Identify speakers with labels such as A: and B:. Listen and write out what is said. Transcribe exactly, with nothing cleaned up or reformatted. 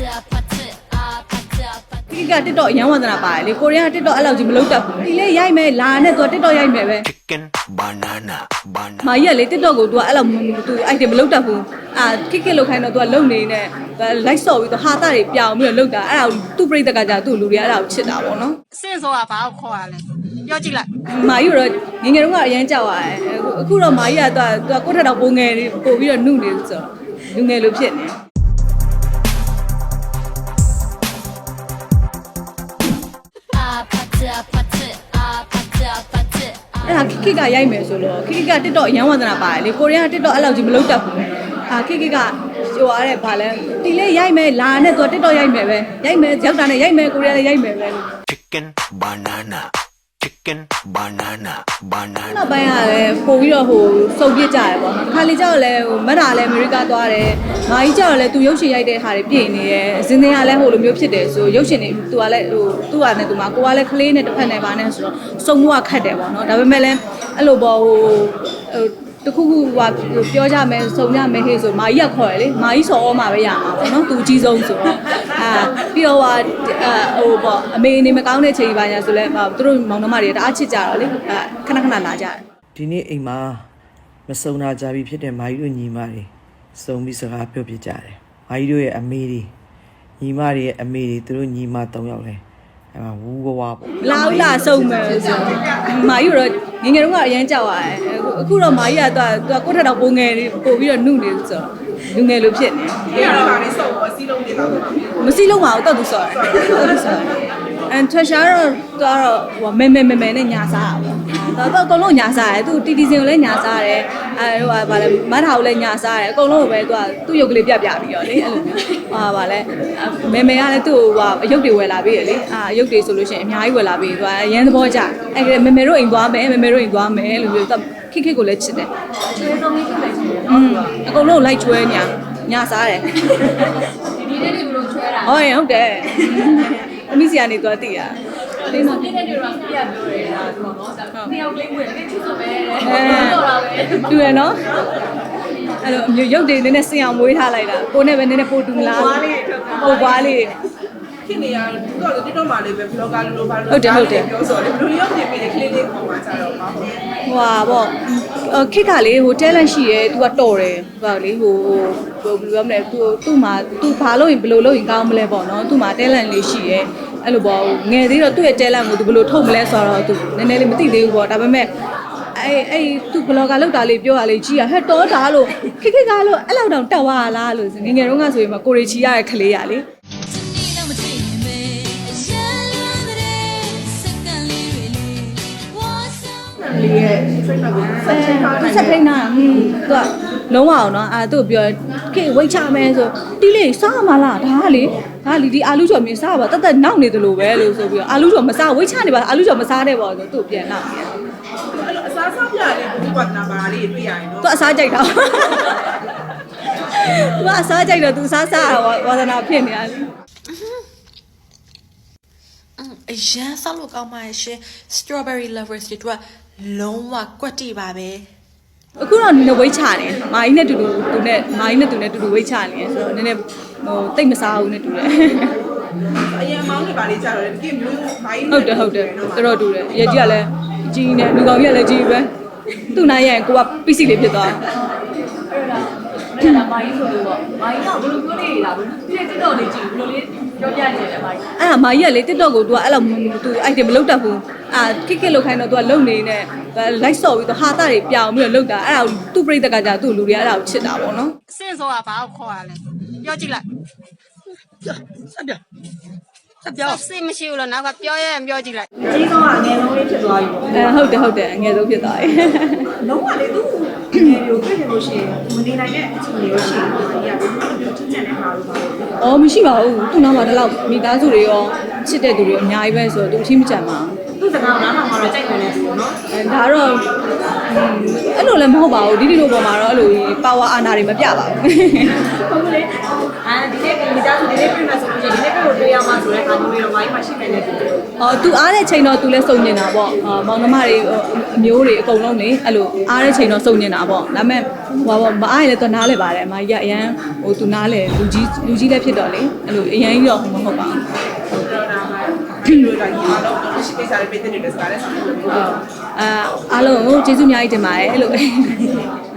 A: ဒီက TikTok အရန်ဝန္ဒနာပါတယ်လေကိုရီးယား TikTok အဲ့လောက်ကြီးမလုပ်တတ်ဘူးဒီလေရိုက်မယ်လာနဲ့သူက TikTok ရိုက်မယ်ပဲ
B: chicken banana banana
A: မာကြီးကလေ TikTok ကို तू အဲ့လောက် तू item မလုပ်တတ်ဘူးအာခစ်ခစ်လောက်ခိုင်းတော့ तू ကလုံနေနေ like ဆော့ပြီး तू ဟာတာတွေပြောင်းပြီးတော့လုပ်တာအဲ့ဒါသူ့ပြိတ္တကကြာသူ့လူတွေကအဲ့ဒါကိုချစ်တာပေါ့နော်
C: စင့်စောကဘာကိုခေါ်ရလဲပြောကြည့်လိုက်
A: မာကြီးတော့ငငယ်တုန်းကအရန်ကြောက်ရတယ်အခုတော့မာကြီးက तू ကကိုယ့်ထက်တော့ပိုငယ်ပို့ပြီးတော့နှုတ်နေဆိုတော့လူငယ်လိုဖြစ်နေအဲ့ဒါခိကရိုက်မယ်ဆိုတော့ခိက TikTok အရန်ဝန္ဒနာပါတယ်လေကိုရီးယား TikTok အဲ့လောက်ကြီးမလုပ်တတ်ဘူးအာခိကကဟိုအားတဲ့ဗာလဲဒီလေရိုက်မယ်လာနဲ့သူ TikTok ရိုက်မယ်ပဲရိုက်မယ်ရောက်တာနဲ့ရိုက်မယ်ကိုရီးယားလည်းရိုက်မယ်ပဲ
B: chicken banana chicken banana banana
A: နောက်ပိုင်းကလည်းပို့ပြီးတော့ဟိုစုံပြစ်ကြရပေါ့နော်ခါလေးကြောက်လည်းဟိုမက်တာလည်းအမေရိကသွားတယ်မာကြီးကြောက်လည်းသူရုပ်ရှင်ရိုက်တဲ့ဟာတွေပြင်နေတယ်ဇင်းသင်းကလည်းဟိုလိုမျိုးဖြစ်တယ်ဆိုရုပ်ရှင်တွေသူကလည်းဟိုသူ့ဟာနဲ့သူမှာကိုကလည်းကလေးနဲ့တစ်ဖက်နဲ့ပါနဲ့ဆိုတော့စုံမှုကခတ်တယ်ပေါ့နော်ဒါပေမဲ့လည်းအဲ့လိုပေါ့ဟိုဟိုတခုခုဟိုပြောကြမယ်စုံကြမယ်ဟေ့ဆိုမာကြီးကခေါ်ရလေမာကြီးစော်ဩမှာပဲရမှာပေါ့နော်သူအကြီးဆုံးဆိုတော့အာပြီးတော့ဟာဟိုပေါ့အမေနေမကောင်းတဲ့ချိန်ပါညာဆိုလဲသူတို့မောင်နှမတွေတအားချစ်ကြတော့လေခဏခဏလာကြတယ်
D: ဒီနေ့အိမ်မှာမစုံနာကြပြီဖြစ်တဲ့မာကြီးတို့ညီမတွေစုံပြီးစကားပြောပြကြတယ်မာကြီးတို့ရဲ့အမေတွေညီမတွေရဲ့အမေတွေသူတို့ညီမ၃ယောက်လဲအဲ့မှာဝူးဝဝပေါ့
A: လာဦးလာစုံမယ်ဆိုမာကြီးတော့ငငယ်တုန်းကအရန်ကြောက်ရတယ်အခုတော့မာကြီးကသူကကိုယ့်ထက်တော့ပိုငယ်ပို့ပြီးတော့နှုတ်နေဆိုတော့လူငယ်လိုဖြစ်နေ
E: ဒီကတော့ဗာလေးစုံတော့စီးလုံးနေတော့မှာ
A: မစီလုံးပါဘူးတော့သူဆော်တယ်တော့သူဆော်တယ်အန်ထွက်ရှာတော့တော့ဟိုမဲမဲမဲမဲနဲ့ညာစားတာပေါ့တော့တော့အကုန်လုံးညာစားတယ်သူတီတီစင်ကိုလည်းညာစားတယ်အဲဟိုဗာလဲမတ်ထာကိုလည်းညာစားတယ်အကုန်လုံးကိုပဲသူကသူ့ရုပ်ကလေးပြပြပြီးတော့လေအဲ့လိုမျိုးဟာဗာလဲမဲမဲကလည်းသူ့ဟိုအရုပ်တွေဝယ်လာပြီးရလေအာအရုပ်တွေဆိုလို့ရှိရင်အများကြီးဝယ်လာပြီးသူကအရန်သဘောကျအဲ့မဲမဲတို့အိမ်သွားမယ်မဲမဲတို့အိမ်သွားမယ်လို့ပြောသူခိခိကိုလည်းချစ်တယ်ချွေးဆုံးလေးဖြစ်လိုက်ချင်တယ်อืมအကုန်လုံးလိုက်ချွဲညာညာစားတယ်ဒီနေ့တွေဘယ်လိုချွဲတာဟုတ်ရင်ဟုတ်တယ်အမိစီကနေသွားတည်ရဒီမှာပြည့်တဲ့တွေကပြပြောတယ်ဒါဆိုတော့ဒါနှစ်ယောက်လေးဝင်တယ်ချစ်ဆိုပဲတော့တာပဲတူရနော်အဲ့လိုမျိုးရုပ်တွေနည်းနည်းစင်အောင်မွေးထားလိုက်တာကိုနဲ့ပဲနည်းနည်းပို့တူလားပို့ပွားလေး
E: ခင်နေရတော့ TikTok မှာလေးပဲ vlogger လိုပါလို့ပြောဆိုတယ်ဘယ်လိုရောက်နေပြီလေကလေးလေးပေါ်မှာကြတော့မှာပေါ့
A: ဟိုဟာပေါ့ခစ်ကလေဟို talent ရှိရဲ तू ကတော်တယ်ဟိုလေဟိုဟိုဘယ်လိုပြောမလဲ तू သူ့မှာ तू ဘာလို့ရင်ဘယ်လိုလုပ်ရင်ကောင်းမလဲပေါ့နော်သူ့မှာ talent လေးရှိရဲအဲ့လိုပေါ့ငယ်သေးတော့သူ့ရဲ့ talent ကို तू ဘယ်လိုထုတ်မလဲဆိုတော့ तू နည်းနည်းလေးမသိသေးဘူးပေါ့ဒါပေမဲ့အဲ့အဲ့ तू blogger လောက်တာလေးပြောရလေးကြီးရဟဲ့တော်တာလို့ခစ်ခစ်ကားလို့အဲ့လောက်တောင်တက်သွားလားလို့ငငယ်တုန်းကဆိုရင်မကိုရီချီရတဲ့ခလေးရလေ
E: လေးရဲ့ trainer ကိုဆက်ချိန်ထားနိုင်တယ်
A: ဆက်ထိန်းတာဟင်းသူကလုံးဝအောင်နော်အာသူ့ပြောခေဝိတ်ချမယ်ဆိုတီးလေးစားမလားဒါကလေဒါလီဒီအာလူကျော်မြင်စားပါတတ်တတ်နောက်နေတယ်လို့ပဲလို့ဆိုပြီးတော့အာလူကျော်မစားဝိတ်ချနေပါအာလူကျော်မစားတဲ့ပေါ့ဆိုသူ့ပြန်နောက်ပြန်
E: အဲ့လိုအစားစားပြလေးဘူးကနာပါလေးတွေ့ရရင်တော့
A: သူအစားကြိုက်တာသူကအစားကြိုက်တော့သူစားစားဝါသနာဖြစ်နေရတယ်
F: အရန်ဆောက်လို့ကောင်းပါရဲ့ရှင် strawberry lovers တွေတို့ကလုံးဝကွက်တိပါပဲ
A: အခုတော့နည်းနည်းဝိတ်ချနေမာကြီးနဲ့တူတူသူနဲ့မာကြီးနဲ့သူနဲ့တူတူဝိတ်ချနေဆိုတော့နည်းနည်းဟိုတိတ်မစားဘူးနဲ့တူတယ်
E: အရင်မောင်းနေပါလေးကြတော့ဒီမျိုးဘိုင်း
A: ဟုတ်တယ်ဟုတ်တယ်တော်တော်တူတယ်ရဲကြီးကလည်းကြီးနေလူကောင်ကြီးကလည်းကြီးပဲသူ့နိုင်ရင်ကိုကပီစီလေးဖြစ်သွားအဲ့ဒါမာကြီးဆိုလို့ပေါ့မာကြီးကဘယ်လိုပြောနေလားဘယ်လိုပြည့်တက်တော့နေကြည့်ဘယ်လိုလေးပြောပြနေတယ်မာကြီးအဲ့ဒါမာကြီးကလေ TikTok ကို तू အဲ့လို तू item မလုပ်တတ်ဘူးအာခစ်ခစ်လောက်ခိုင်းတော့ तू ကလုံနေနေ like ဆော့ပြီး तू ဟာတာတွေပြောင်းပြီးတော့လုပ်တာအဲ့ဒါသူ့ပြိတ္တကကြာသူ့လူတွေကအဲ့ဒါကိုချစ်တာပေါ့နော်
C: စင့်စောကဘာကိုခေါ်ရလဲပြောကြည့်လိုက်
E: ဆက်ပြဆက်ပြ
C: စင့်မရှိဘူးလို့နောက်ကပြောရရင်ပြောကြည့်လိုက်
E: ကြီးဆုံးကအငယ်ဆုံးလေးဖြစ်သွားပြီပေါ့
A: အဲဟုတ်တယ်ဟုတ်တယ်အငယ်ဆုံးဖြစ်သွားပြီ
E: လုံးဝလေသူ့ငယ်မျိုးတွေ့နေလို့ရှိရင်မနေနိုင်တဲ့အခြေအနေရောရှိရင်ဒီကဘယ်လိုမျိုးချင်းချင်တဲ့ဟာလို့ပါလဲ
A: ။အော်မရှိပါဘူး။သူ့နောက်မှာဒီလောက်မိသားစုတွေရောချစ်တဲ့သူတွေအများကြီးပဲဆိုတော့သူအချင်းမကြမ်းပါဘူး
E: သူ့စကားကိုနားထောင်မှတော့ကြိုက်တယ်လေသူနော်
A: ။အဲဒါတော့အဲ့လိုလည်းမဟုတ်ပါဘူး။ဒီဒီလိုပေါ်မှာတော့အဲ့လိုပါဝါအာဏာတွေမပြပါဘူး
E: ဟုတ်လေအာဒီနေ့မိသားစုဒီနေ့ပြင်မှာဆိုလို့ရှိရင်ဒီနေ့ကိုတွေ့ရမှာဆိုတဲ့အခါမျိုးတွေတော့မိုင်းမှာရှိနေတယ်သူ
A: ။အော်သူအားတဲ့ချိန်တော့သူလည်းစုံနေတာပေါ့။အာမောင်နှမတွေအမျိုးတွေအကုန်လုံးနေအဲ့လိုအားတဲ့ချိန်တော့စုံနေတာပေါ့။ဒါပေမဲ့ဟိုမအားရလဲတော့နားလဲပါတယ်အမကြီးကအရန်ဟိုသူနားလဲလူကြီးလူကြီးလည်းဖြစ်တော့လေအဲ့လိုအရန်ကြီးတော့မဟုတ်ပါဘူး
G: တော့ဒါမှဒီလိုတိုင်းအားလုံးတော့ရှိကိစ္စလေးပေးတဲ့နေစကားလေးဆက်လို့
A: အာအားလုံးကိုကျေးဇူးအများကြီးတင်ပါတယ်အဲ့လို